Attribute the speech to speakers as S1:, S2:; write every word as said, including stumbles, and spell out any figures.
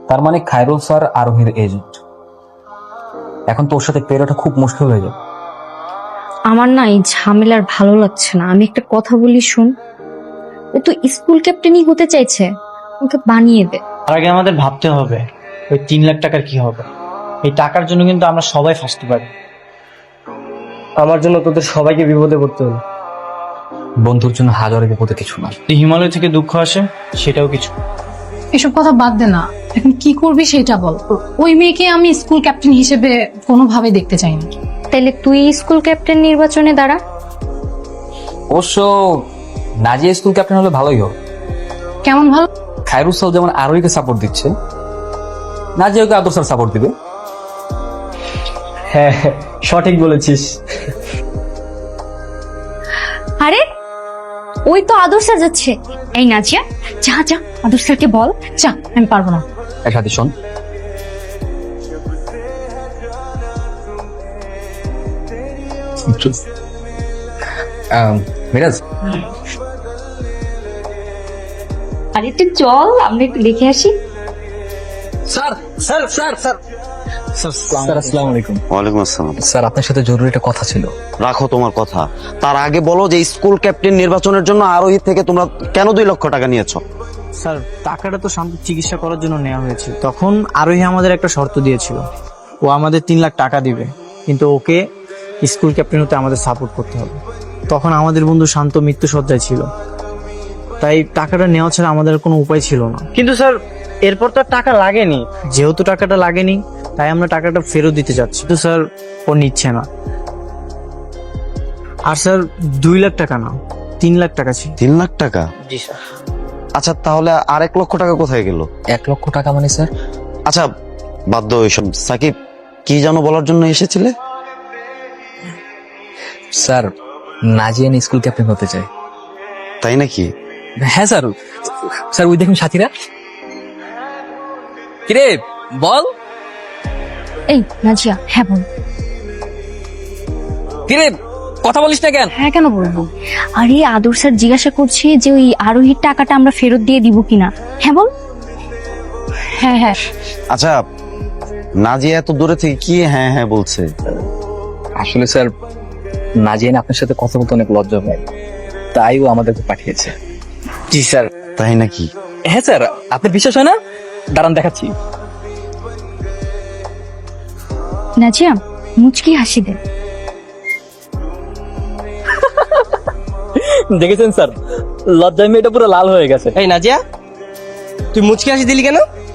S1: তার মানে খায়রুল স্যার আরোহীর এজেন্ট। এখন তোর সাথে পেরোটা খুব মুশকিল হয়ে যাবে।
S2: আমার না এই ঝামেলার ভালো লাগছে না। আমি একটা কথা বলি শুন, ও তো স্কুল ক্যাপ্টেনই হতে চাইছে, ওকে বানিয়ে দে।
S3: তার আগে আমাদের ভাবতে হবে ওই তিন লাখ টাকার কি হবে। এই টাকার জন্য কিন্তু আমরা সবাই ফাঁসতে পারি।
S4: আমার জন্য তোদের সবাইকে বিপদে পড়তে হলো।
S1: বন্ধুর জন্য হাজারে বিপদে কিছু না।
S3: যদি হিমালয় থেকে দুঃখ আসে সেটাও কিছু।
S5: এসব কথা বাদ দে না, এখন কি করবি সেটা বল। ওই মেয়েকে আমি স্কুল ক্যাপ্টেন হিসেবে কোনোভাবে দেখতে চাই না।
S2: তাইলে তুই স্কুল ক্যাপ্টেন নির্বাচনে দাঁড়া।
S1: অবশ্য নাজিয়া স্কুল ক্যাপ্টেন হলে ভালোই হবে।
S5: কেমন ভালো?
S1: খায়রুল স্যার যেমন আরোহীকে সাপোর্ট দিচ্ছে, নাজিয়াকে আদর স্যার সাপোর্ট দিবে।
S4: হ্যাঁ হ্যাঁ, সঠিক বলেছিস।
S2: আরে ওই তো আদর স্যার যাচ্ছে। এই নাজিয়া, যা যা আদর স্যারকে বল।
S5: যা, আমি পারবো না।
S1: এক সাথে শোন, আহ, মিরাজ
S2: আরে একটু চল, আমরা একটু দেখে আসি।
S1: Sir sir sir sir sir আসসালামু আলাইকুম।
S6: ওয়ালাইকুম আসসালাম।
S1: স্যার আপনার সাথে জরুরি একটা কথা ছিল।
S6: রাখো তোমার কথা, তার আগে বলো যে স্কুল ক্যাপ্টেন নির্বাচনের জন্য আরোহী থেকে তোমরা কেন দুই লক্ষ টাকা নিয়েছো?
S3: স্যার টাকাটা তো শান্ত চিকিৎসা করার জন্য নেওয়া হয়েছে। তখন আরোহী আমাদের একটা শর্ত দিয়েছিল, ও আমাদের তিন লাখ টাকা দিবে, কিন্তু ওকে স্কুল ক্যাপ্টেন হতে আমাদের সাপোর্ট করতে হবে। তখন আমাদের বন্ধু শান্ত মৃত্যু সজ্জায় ছিল, তাই টাকাটা নেওয়া ছাড়া আমাদের কোনো উপায় ছিল না। কিন্তু স্যার এরপর তো আর টাকা লাগেনি। যেহেতু টাকাটা লাগেনি তাই আমরা টাকাটা ফেরত দিতে যাচ্ছি, তো স্যার ও নিচ্ছে না। আর স্যার দুই লাখ টাকা না, তিন লাখ টাকা ছিল।
S6: তিন লাখ টাকা?
S3: জি স্যার।
S6: আচ্ছা তাহলে আর এক লক্ষ টাকা কোথায় গেল?
S1: এক লক্ষ টাকা মানে স্যার?
S6: আচ্ছা বাদ দাও এইসব। সাকিব, কি যেন বলার জন্য এসেছিলে?
S1: স্যার নাজিয়ান স্কুল ক্যাপ্টেন হতে চাই।
S6: তাই নাকি?
S1: হ্যাঁ স্যার। স্যার ওই দেখুন সাথীরা। কিরে বল।
S2: এই নাজিয়া, হ্যাঁ বল।
S1: কিরে কথা বলিস না কেন?
S2: হ্যাঁ কেন বলবো? আরে আদর স্যার জিজ্ঞাসা করছে যে ওই আরোহীর টাকাটা আমরা ফেরত দিয়ে দিব কিনা। হ্যাঁ বল।
S5: হ্যাঁ হ্যাঁ।
S6: আচ্ছা নাজিয়া এত দূরে থেকে কি হ্যাঁ হ্যাঁ বলছে?
S1: আসলে স্যার নাজিয়ান আপনার সাথে কথা বলতে অনেক লজ্জা পায়, তাই ও আমাদেরকে পাঠিয়েছে।
S3: জি স্যার।
S6: তাই নাকি?
S1: হ্যাঁ স্যার, আপনার বিশ্বাস হয় না? দাঁড়ান দেখাচ্ছি।
S2: নাজিয়া মুচকি হাসি দে।
S1: দেখেছেন স্যার, লজ্জায় মেয়েটা পুরো লাল হয়ে গেছে।
S4: এই নাজিয়া, তুই মুচকি হাসি দিলি কেন?